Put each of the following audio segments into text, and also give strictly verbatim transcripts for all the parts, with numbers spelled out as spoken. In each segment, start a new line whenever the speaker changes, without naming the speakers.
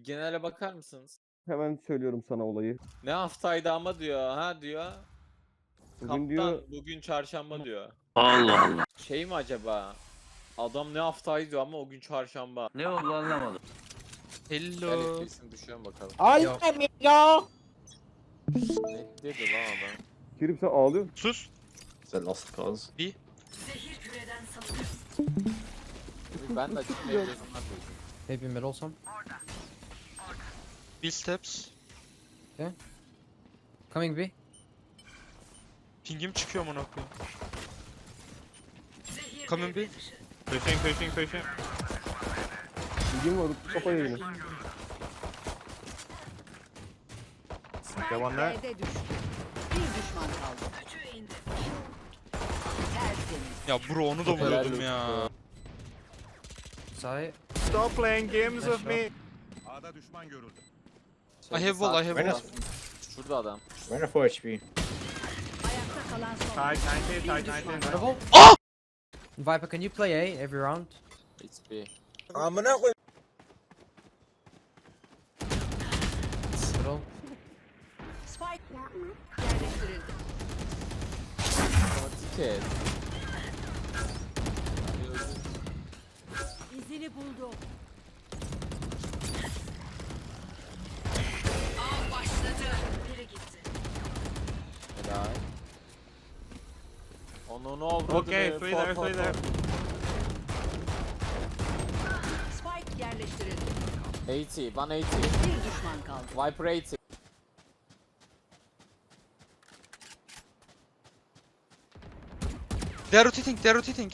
Bir genele bakar mısınız?
Hemen söylüyorum sana olayı.
Ne haftaydı ama diyor. Ha diyor.
Bugün
Kaptan
diyor
bugün çarşamba diyor.
Allah Allah.
Şey mi acaba? Adam ne haftaydı diyor ama o gün çarşamba.
Ne oldu anlamadım.
Gel
Hello.
F P S'ini düşüyorum bakalım.
Ay
Yok.
ya.
Ne dedi lan adam?
Kerim sen ağlıyorsun.
Sus.
It's a lost cause.
Ben de açık mevzusundan koydum.
Maybe middle some.
Bill steps.
Coming B.
Pingim çıkıyor amına koyayım. Coming B.
Pushing, pushing, pushing.
Bilgim var. Kafa yayını.
Okay, one there.
B'de düştü. Bir düşman kaldı. Tertemiz.
Ya bro onu da vuruyordum ya.
Side.
Stop playing games with me.
A'da düşman görüldü.
I have wall, I have
Şurada.
wall.
Şurada adam.
Runner four H P.
Ayakta kalan son.
Tight ninety,
Bir
tight
düşman
ninety.
kaldı.
Double.
Ah!
Viper, can you play A every round?
It's B.
Middle.
Spike yerleştirildi.
Ama tiket.
İzini buldu. Av başladı. Biri gitti.
Helal. Onu ne oldu?
Okay, three there, three there.
Spike yerleştirildi.
eighty, one eighty.
Bir düşman kaldı.
Viper eighty.
They are rotating, they are rotating.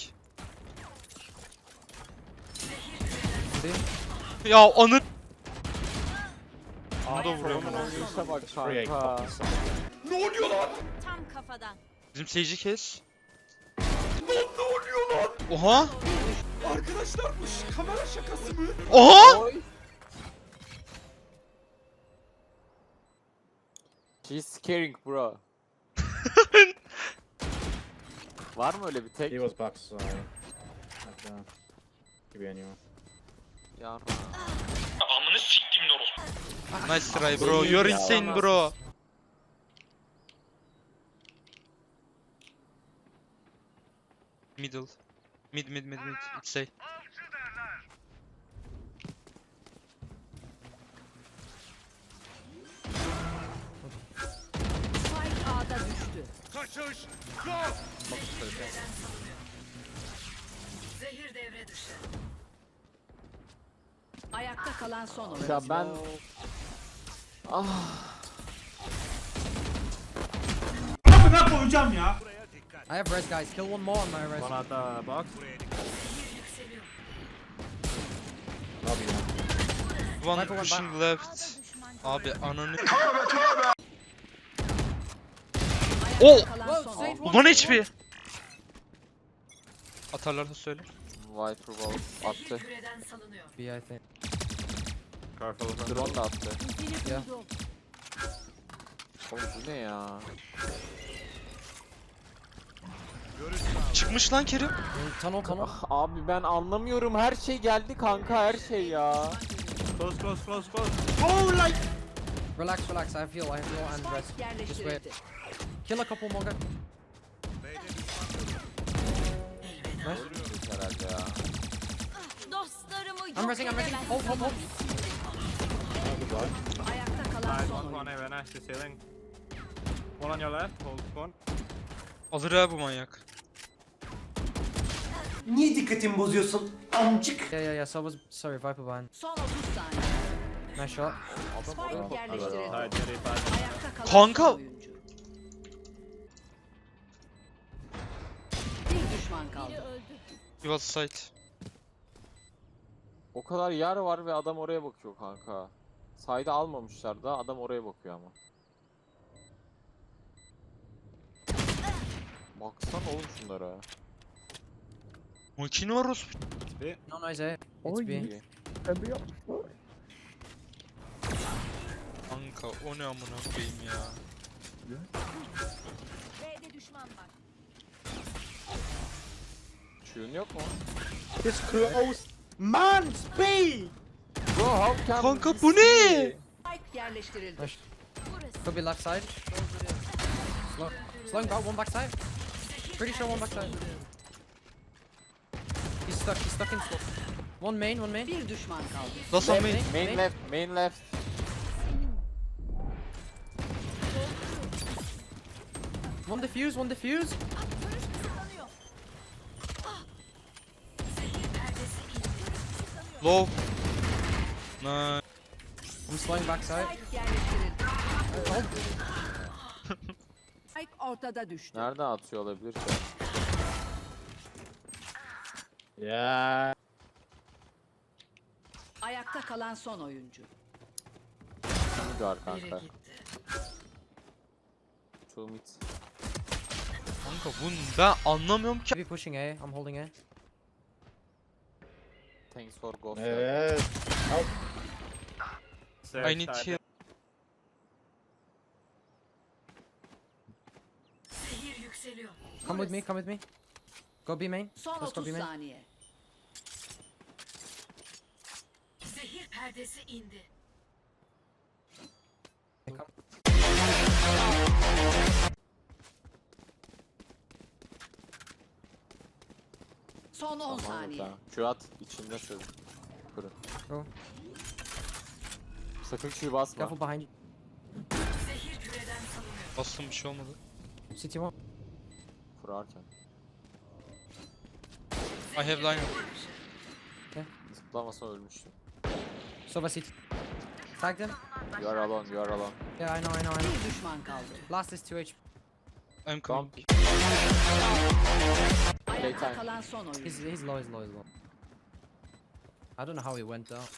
Ya anı... Onu da vuruyorum.
Onun oynayışa bak
Free
kanka.
Tam kafadan.
Bizim seyirci kes. Ne oluyor lan? Oha!
Arkadaşlar bu ş- kamera şakası mı?
Oha!
Oy. She's scaring bro. Var mı öyle bir tek?
He was box, so... Like, uh, could be anyone.
Yarra.
Nice try bro, you're insane bro. Middle. Mid mid mid mid. It's A.
Spike A'da düştü.
Kaçış yok.
Zehir devre dışı. Ayakta kalan son oyuncu.
Ya ben... Ah.
Amına koyacağım ya.
I have res, guys. Kill one more on my res.
One at the box.
Lobby one.
One
Viper one
pushing left. Abi ananı...
Ayakta
Oh!
kalan son oyuncu.
Ulan H P! Atarlarsa söyle.
Viper wall attı.
Küreden salınıyor.
B, I think.
Careful.
Drone da attı.
İzini
Ya.
buldu.
Oğlum bu ne ya?
Çıkmış lan Kerim.
In tunnel, tunnel.
Ah, abi ben anlamıyorum. Her şey geldi kanka, her şey ya.
Close, close, close, close. Oh, like.
Relax, relax. I have heal. I have heal and res.
Spike yerleştirildi.
Kill a couple more guys.
Öldük herhalde ya.
Dostlarımı
I'm resing, I'm resing. Hold, hold, hold.
Ayakta kalan
Nice,
son
one, one
oyuncu.
A, nice, the ceiling. One on your left, hold one.
Alır ha bu manyak.
Niye dikkatimi bozuyorsun amcık?
Yeah, yeah, yeah. So I was sorry, Viper behind.
Son otuz saniye.
Nice shot.
Spike yerleştirildi.
Tight, very fast.
Ayakta kalan
Kanka!
son oyuncu. Bir düşman kaldı.
He was sight.
O kadar yer var ve adam oraya bakıyor kanka. Sayda almamışlar da adam oraya bakıyor ama. Baksana oğlum şunlara.
Makine var orospu.
No, nice A. It's
Oy.
B.
İyi.
Pembe yapmışlar.
Kanka o ne amına koyayım ya.
B'de düşman var.
Şuyun yok mu?
It's close. Man, speed!
Bro how can
Kanka
this
bu ne?
be?
Spike yerleştirildi.
Nice. Could be left side. Slow. Slowing down, one back side. Pretty sure one back side. He's stuck, he's stuck in slow. One main, one main.
Bir düşman kaldı.
Last on main.
Main left, main left.
One defuse, one defuse.
Low. Nice.
I'm slowing back side.
Spike yerleştirildi. Spike ortada düştü.
Nereden atıyor olabilir ki?
Ya.
Ayakta kalan son oyuncu.
Mid var kanka. Two mid.
Kanka bunu ben anlamıyorum ki.
Maybe pushing A, I'm holding A.
Thanks for ghost.
Evet.
Stairs,
I need
stairs.
heal.
Come with me, come with me. Go B main.
Son
Let's go B
otuz
main.
saniye.
Zehir perdesi indi.
Okay, come.
Son on saniye.
Q at içinde çözün. Kırın.
Go.
Sakın Q basma.
Careful behind you.
Zehir küreden salınıyor.
Bastım bir şey olmadı.
City one.
Kurarken.
I have line.
Zıplamasa ölmüştüm.
Sova city. Tag them.
You are alone, you are alone.
Yeah, I know, I know, I know.
Bir düşman kaldı.
Last is two H P.
I'm coming.
Ayakta
Playtime.
kalan son oyuncu.
He's, he's low, he's low, he's low. I don't know how he went down.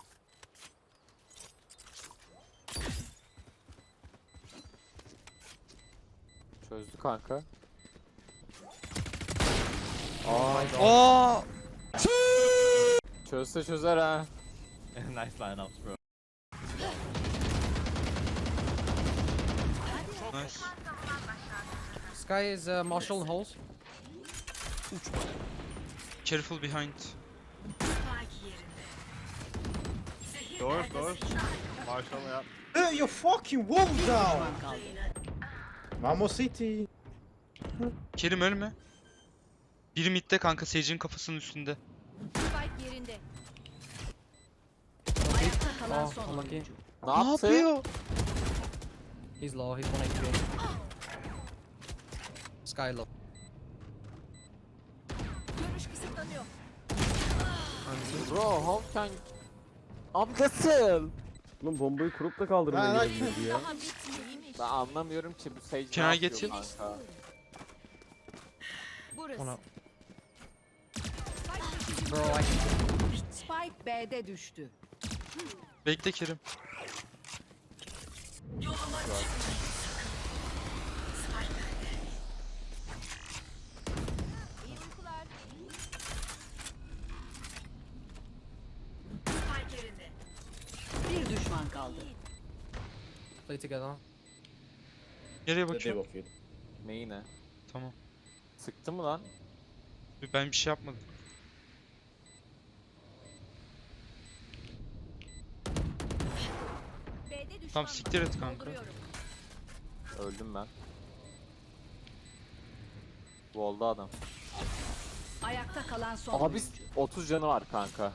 Çözdü kanka.
Oh my god.
Aa!
Çözse çözer ha.
Nice lineups bro.
Nice.
Sky is uh, Marshall holes.
Careful behind.
Spike yerinde. Zehir
Doors,
perdesi
doors.
indi.
Marshall ya.
Hey, you fucking wall down.
Düşman kaldı.
Vamos City.
Kerim ölme. Biri midde kanka Sage'in kafasının üstünde.
Spike yerinde. Ayakta kalan
Oh,
son
unlucky.
oyuncu.
Ne
Ne
yaptı?
yapıyor?
He's low, he's one H P. Sky low.
Görüş kısıtlanıyor.
Bro how can... Abi nasıl?
Oğlum bombayı kurup da kaldırmaya
Ha,
gidebilirdi ya.
Daha bitmeymiş.
Ben anlamıyorum ki bu Sage
Can
ne
I get
yapıyor
you?
kanka?
Burası.
Ona.
Spike,
Bro, I
Spike B'de düştü.
Bekle Kerim.
Yoluma çık. Spike bende.
İyi uykular.
Spike yerinde.
Bir düşman kaldı.
play together.
Nereye
Hadi
bakıyorum?
bakayım.
Neyi ne?
Tamam.
Sıktı mı lan?
Ben bir şey yapmadım.
B'de düşman
Tamam siktir et kanka.
dolduruyorum.
Öldüm ben. Wall'da adam.
Ayakta kalan son
Abi
oyuncu.
otuz canı var kanka.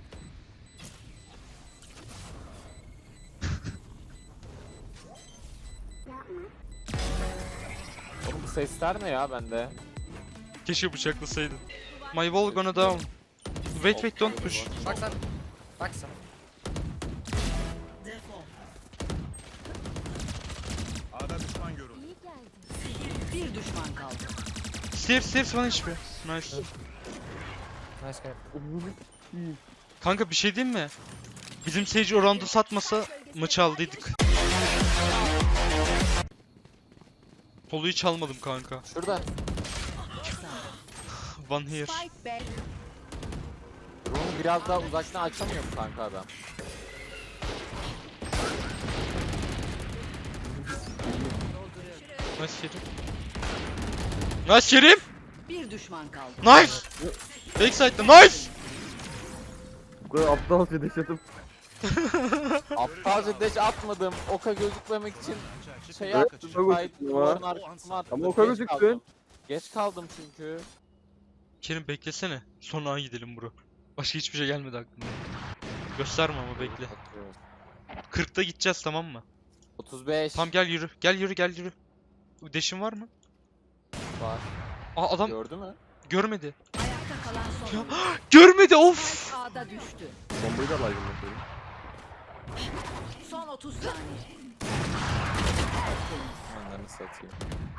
Oğlum bu sesler ne ya bende?
Keşke bıçaklasaydın. My wall gonna down. Wait wait don't push.
Backside. Backside.
Defol.
A'da düşman görüldü.
Bir düşman kaldı.
Stairs stairs one H P. Nice.
Nice guy.
Kanka bir şey diyeyim mi? Bizim Sage o roundu satmasa maçı aldıydık. Poluyu çalmadım kanka.
Şurada.
One here.
Spike B.
Room'u biraz daha uzaktan açamıyor mu kanka adam?
Nice Kerim. Nice Kerim.
Bir düşman kaldı.
Nice. Backside'da nice.
Bu kadar aptalca deş atıp
Aptalca dash atmadım. Oka gözükmemek için şey
Evet,
yaptım.
oka
Kayıt
gözüktün ama.
duvarın arkasına attım.
Ama oka
Geç
gözüktün.
kaldım. Geç kaldım çünkü.
Kerim beklesene. Sonra gidelim bro. Başka hiçbir şey gelmedi aklıma. Gösterme ama bekle.
Atıyorum.
kırkta gideceğiz tamam mı?
otuz beş
Tamam gel yürü. Gel yürü gel yürü. Deşin var mı?
var.
Aa adam
Gördü mü?
görmedi.
Ayakta kalan son oyuncu.
Görmedi of.
Spike A'da düştü.
Bombayı da baygın bakıyorum.
Son otuz saniye.
Onları satayım.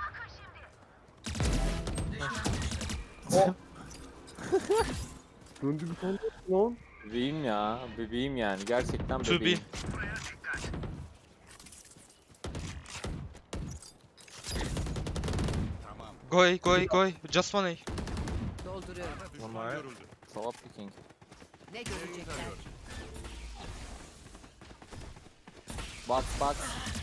Döndü bir tane lan.
Bebeğim ya. Bebeğim yani. Gerçekten
To be.
bebeğim.
Tamam.
Go A, go A, go A. Just one A.
Dolduruyorum.
Düşman görüldü.
Swap picking.
Ne görecekler?
Box box.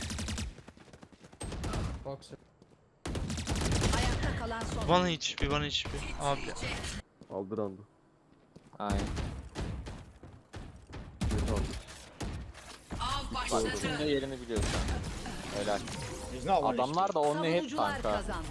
Box.
Ayakta kalan son
One
oyuncu.
H P, one H P. Abi.
Aldı randı.
Aynen.
Evet aldı.
Av
Bak
başladı.
şimdi yerini biliyorsun. Helal.
He's not one
Adamlar da only hit
Savunucular
kanka.
kazandı.